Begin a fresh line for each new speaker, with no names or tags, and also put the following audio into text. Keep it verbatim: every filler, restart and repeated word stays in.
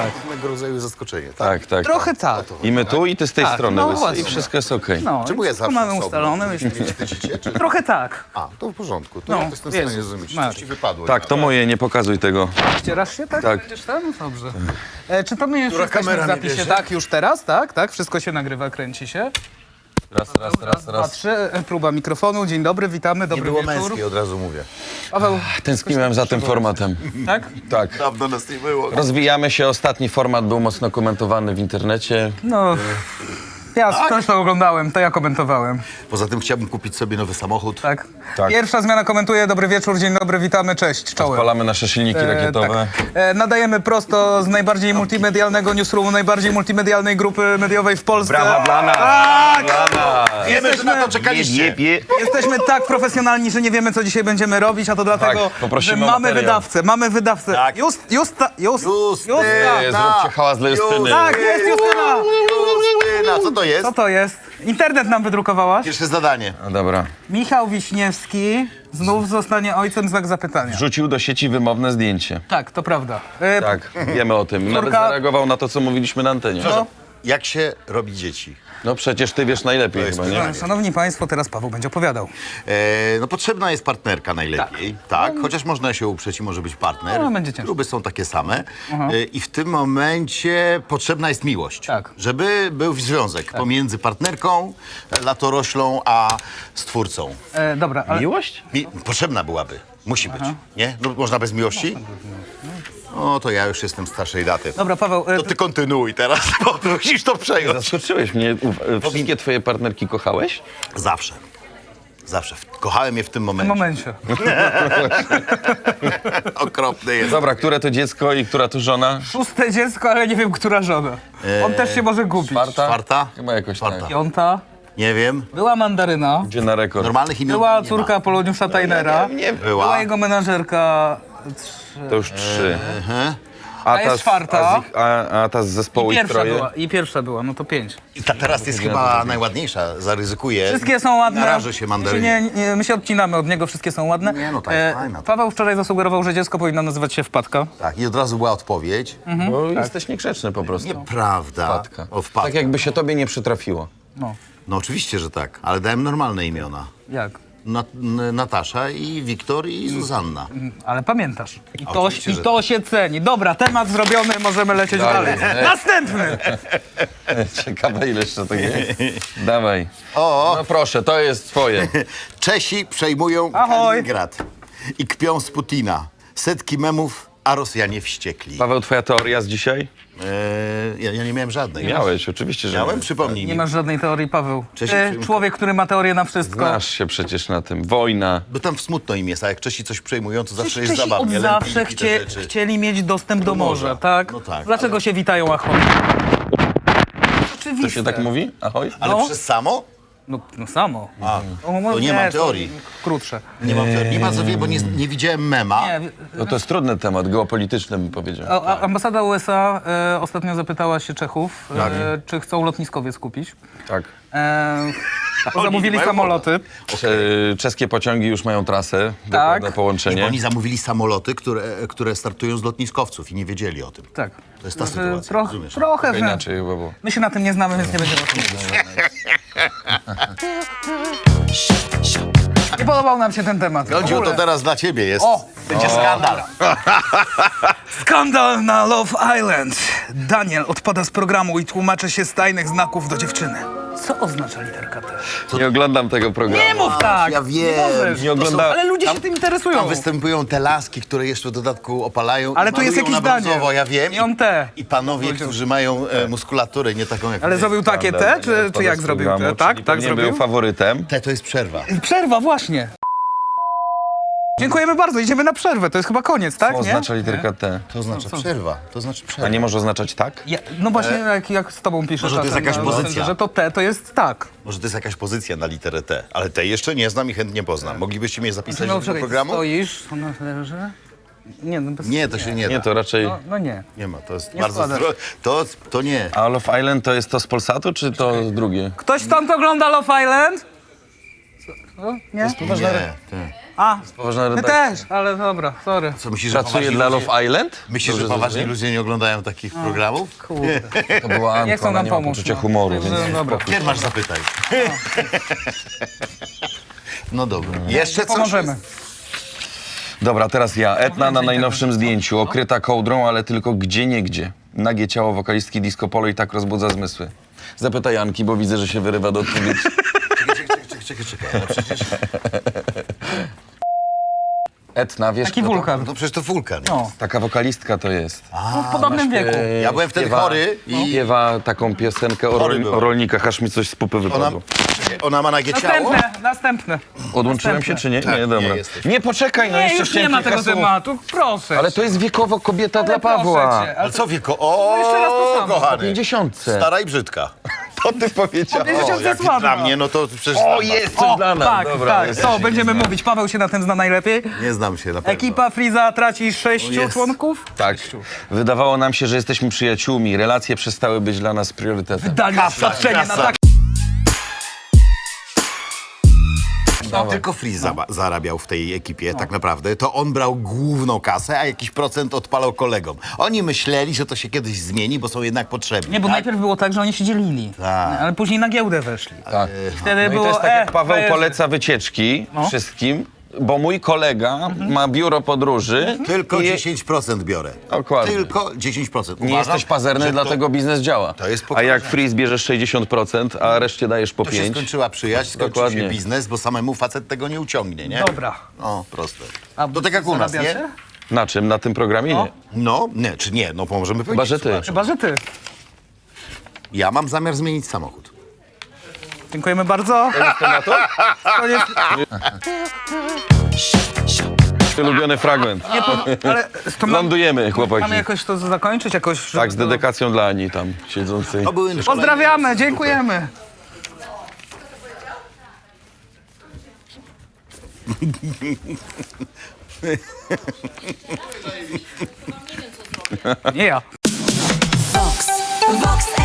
Tak.
Pewnego rodzaju zaskoczenie, tak?
Tak, tak.
Trochę tak.
I my tu, i ty z tej
Tak,
strony.
no
Łysy,
właśnie.
I wszystko jest okej.
No,
Czemu ja
wszystko
zawsze
mamy
osobno?
ustalone.
Mnie wstydzicie, czy...
Trochę tak.
A, to w porządku. To
No,
ja to jestem w stanie
Jezus,
zrozumieć.
Maria.
Coś ci wypadło.
Tak, to moje, nie pokazuj tego.
Ścierasz się, tak?
Tak.
Będziesz tam? Dobrze. E, czy to my już
Która
jesteśmy
kamera
w
mnie
zapisie?
bierze?
Tak, już teraz, tak? Tak, wszystko się nagrywa, kręci się.
Raz, raz, raz,
Dwa,
raz.
trzy, e, próba mikrofonu. Dzień dobry, witamy,
Nie
dobry
było
wieczór.
męskiej, od razu mówię.
Paweł,
Tęskniłem za tym formatem.
tak?
Tak.
Dawno nas nie było.
Rozwijamy się. Ostatni format był mocno komentowany w internecie.
No, ja też to oglądałem, to ja komentowałem,
Poza tym chciałbym kupić sobie nowy samochód.
tak?
Tak.
Pierwsza zmiana komentuje, dobry wieczór, dzień dobry, witamy, cześć, czołem.
Odpalamy nasze silniki
E,
rakietowe.
tak. e, nadajemy prosto z najbardziej multimedialnego newsroomu, najbardziej multimedialnej grupy mediowej w Polsce.
Brawa dla nas!
Tak!
Dla nas!
Wiemy, że na to czekaliście.
Jesteśmy tak profesjonalni, że nie wiemy, co dzisiaj będziemy robić, a to dlatego,
Tak, poprosimy
że
o
mamy
materiał.
wydawcę, mamy wydawcę.
Tak.
Just, Justa, just,
Justyna.
Ej, zróbcie hałas dla Justyny.
Tak, jest Justyna!
Justyna, co to jest?
Co to jest? Internet nam wydrukowałaś.
Pierwsze zadanie.
No dobra.
Michał Wiśniewski znów zostanie ojcem, znak zapytania.
Wrzucił do sieci wymowne zdjęcie.
Tak, to prawda. E,
Tak, wiemy o tym. Nawet
Córka-
zareagował na to, co mówiliśmy na antenie.
No,
Jak się robi dzieci?
No przecież ty wiesz najlepiej
To jest
chyba, nie?
pytanie.
Szanowni Państwo, teraz Paweł będzie opowiadał.
E, no potrzebna jest partnerka najlepiej, tak. Chociaż można się uprzeć i może być partner.
No, będzie ciężko.
Kluby są takie same. E, I w tym momencie potrzebna jest miłość.
Tak.
Żeby był związek pomiędzy partnerką, latoroślą, a stwórcą.
E, dobra, ale...
Miłość?
Mi potrzebna byłaby. Musi być. Nie? No, można bez miłości? No to ja już jestem starszej daty.
Dobra, Paweł, e,
To ty kontynuuj teraz, bo musisz to przejąć.
Zaskoczyłeś mnie. U- Wszystkie twoje partnerki kochałeś?
Zawsze. Zawsze. Kochałem je w tym
w tym
momencie.
momencie.
Okropny jest.
Dobra, które to dziecko i która to żona?
Szóste dziecko, ale nie wiem, która żona. On też się może gubić.
Czwarta?
Czwarta?
Chyba jakoś
Czwarta.
tak.
Piąta.
Nie wiem.
Była mandaryna.
Gdzie na rekord?
Normalnych imion
Była
nie
córka
ma.
Poloniusza Tajnera.
Nie,
Była.
Była jego menażerka.
to już trzy.
A jest czwarta.
A, z ich, a, a ta z zespołu
I
ich
pierwsza
troje?
była. I pierwsza była, no to pięć.
I ta teraz jest chyba najładniejsza. Zaryzykuję.
Wszystkie są ładne.
Narażę się mandarynie.
Nie, nie, my się odcinamy od niego, wszystkie są ładne.
Nie, no ta jest fajna.
Paweł wczoraj zasugerował, że dziecko powinno nazywać się Wpadka.
Tak, i od razu była odpowiedź.
Bo jesteś niegrzeczny po prostu.
Nieprawda.
Wpadka.
O, wpadka.
Tak jakby się tobie nie przytrafiło.
No,
No oczywiście, że tak, ale dałem normalne imiona.
jak?
Nat N- Natasza i Wiktor i Zuzanna.
Ale pamiętasz. I to,
Oczywiście,
i
że
to się ceni. Dobra, temat zrobiony, możemy lecieć
Dalej.
dalej. Następny!
Ciekawe ile jeszcze to jest. Dawaj.
O,
No proszę, to jest twoje.
Czesi przejmują
Ahoj.
Kaliningrad i kpią z Putina. Setki memów, a Rosjanie wściekli.
Paweł, twoja teoria z dzisiaj?
Eee, ja, ja nie miałem żadnej.
Miałeś, oczywiście, że
Miałem? Przypomnij
Nie
mi.
masz żadnej teorii, Paweł.
Cześć,
Ty,
Przymko.
człowiek, który ma teorię na wszystko.
Znasz się przecież na tym. Wojna.
Bo tam smutno im jest, a jak Czesi coś przejmują, to zawsze
Przecież
jest
Czesi
zabawnie.
od
Lempiki,
zawsze
te
chcie,
rzeczy.
chcieli mieć dostęp do,
Do
morza,
morza.
tak?
No tak,
Dlaczego się witają ahoj? Oczywiście.
To się tak mówi? Ahoj?
Ale
No.
przez samo?
No, no samo.
A,
O,
to nie mam
to
teorii.
Krótsze.
Nie mam teorii. Nie ma co wie, bo nie, nie widziałem mema.
Nie,
No to jest trudny temat, geopolityczny bym powiedział.
a, a ambasada U S A e, ostatnio zapytała się Czechów,
Tak.
e, czy chcą lotniskowiec kupić.
Tak.
E, bo
Oni
zamówili
nie mają
samoloty.
Cze- Czeskie pociągi już mają trasę, dokładne
Tak.
Nie,
połączenie.
bo oni zamówili samoloty, które, które startują z lotniskowców i nie wiedzieli o tym.
Tak.
To jest ta
E,
sytuacja,
Troch,
rozumiesz?
trochę,
Trochę
że
inaczej chyba było.
my się na tym nie znamy, więc nie będziemy o tym mówić. Nie podobał nam się ten temat. W
Godziu,
ogóle.
to teraz dla ciebie jest.
O!
Będzie skandal.
Skandal na Love Island. Daniel odpada z programu i tłumaczy się z tajnych znaków do dziewczyny. Co oznacza literka T?
Nie oglądam tego programu.
Nie mów tak!
ja wiem.
możesz.
Nie oglądałem.
Ale ludzie się tym interesują.
Tam występują te laski, które jeszcze w dodatku opalają.
Ale
i
tu jest
malują
jakiś
na brązowo,
Daniel.
ja wiem.
I on te.
I panowie, którzy mają e, muskulaturę, nie taką jak
Ale
my.
zrobił takie T, czy, czy jak zrobił T? Tak, tak
Nie
zrobił?
był faworytem.
Te to jest przerwa.
Przerwa, właśnie. Dziękujemy bardzo, idziemy na przerwę. To jest chyba koniec, tak?
Co
Nie?
oznacza literka T?
To oznacza przerwa. To znaczy
A
przerwa.
nie może oznaczać tak?
Ja, no właśnie, jak, jak z tobą piszę
Może to jest
czasem
jakaś
na
pozycja.
że to T to jest tak.
Może to jest jakaś pozycja na literę T, ale tej jeszcze nie znam i chętnie poznam. Moglibyście mnie zapisać
No
do tego
czekaj,
programu?
stoisz, ona leży. Nie, no bez...
Nie, to się nie da.
Nie, to raczej...
No, no nie.
Nie ma, to jest
Nie
bardzo...
składasz.
zdro- To, to nie.
A Love Island to jest to z Polsatu, czy to drugie?
Ktoś stąd ogląda Love Island? Co? Co? Nie?
Nie, ty.
A,
Poważna
my
redakcja.
też, ale dobra, sorry.
Co, myślisz, że
Pracuje
poważni
dla
ludzie-
Love Island?
Myślisz, że
Dobrze
poważni
zrozumiałem?
ludzie nie oglądają takich programów?
Kurde.
To była Anka,
Nie chcą
ona
nam
nie ma
pomóc,
poczucia
no.
humoru,
Także
więc...
dobra.
Kiedy masz zapytaj? No dobra. Jeszcze coś?
Pomożemy.
Dobra, teraz ja. Etna na najnowszym zdjęciu, okryta kołdrą, ale tylko gdzie niegdzie. Nagie ciało wokalistki Disco Polo i tak rozbudza zmysły. Zapytaj Anki, bo widzę, że się wyrywa do odpowiedzi.
Czekaj, czekaj, czekaj, czekaj, czekaj. No przecież,
Etna, wiesz
Taki
kto to?
wulkan.
no przecież to wulkan.
No,
Taka wokalistka to jest.
no w podobnym wieku.
E,
Ja byłem wtedy
śpiewa-
chory i-
Śpiewa taką piosenkę o,
Chory
rol,
byłem.
o rolnikach, aż mi coś z pupy
Ona,
wypadło.
ona ma nagie ciało?
Następne, następne.
Odłączyłem się
Następne.
czy nie?
Tak,
nie,
nie
dobra.
jesteś.
Nie, poczekaj, no
Nie,
jeszcze
już nie
chciałem
ma
kilka
tego
słów.
tematu, proszę.
Ale to jest wiekowo kobieta
Ale
dla
proszę
Pawła.
cię,
Ale co wieko? O,
No jeszcze raz to samo.
kochany.
pięćdziesiątce.
Stara i brzydka.
To ty powiedziałeś.
pięćdziesiąt
O,
jest
jak
ładna.
dla mnie, no to przecież
O,
znam was.
jest coś
O,
dla nas.
tak,
Dobra,
tak,
jest.
to będziemy mówić. Paweł się na tym zna najlepiej.
Nie znam się na pewno.
Ekipa Freeza traci sześciu
O, jest.
członków.
Tak. Wydawało nam się, że jesteśmy przyjaciółmi. Relacje przestały być dla nas priorytetem.
Dali oświadczenie na
kasa.
tak.
No, tylko Freeze zaba- zarabiał w tej ekipie, tak naprawdę. To on brał główną kasę, a jakiś procent odpalał kolegom. Oni myśleli, że to się kiedyś zmieni, bo są jednak potrzebni.
Nie, bo
tak?
najpierw było tak, że oni się dzielili.
Tak.
Ale później na giełdę weszli.
Tak.
Wtedy
No i
było,
to jest tak,
e,
jak Paweł
frajerzy.
poleca wycieczki
No.
wszystkim, bo mój kolega ma biuro podróży.
Tylko
i
dziesięć procent biorę.
Dokładnie.
Tylko dziesięć procent.
Nie
Uważam,
jesteś pazerny,
że
dlatego biznes działa.
to jest
A
pokaźne.
jak Freeze bierzesz sześćdziesiąt procent, a reszcie dajesz po
To się
pięć.
skończyła przyjaźń, skończył
Dokładnie.
się biznes, bo samemu facet tego nie uciągnie, nie?
Dobra.
O, proste.
A
To tak jak u nas, nie?
zarabiacie?
Na czym? Na tym programie?
No.
Nie.
No, nie, czy nie, no możemy powiedzieć.
Chyba, że ty.
słuchaj.
Chyba, że ty.
Ja mam zamiar zmienić samochód.
Dziękujemy bardzo. Koniec.
Ulubiony fragment.
Nie, po, ale to ma,
Lądujemy, chłopaki.
mamy jakoś to zakończyć? Jakoś,
Tak, z dedykacją dla Ani tam siedzącej.
To były
Pozdrawiamy, dziękujemy. Nie ja.
Vox, Vox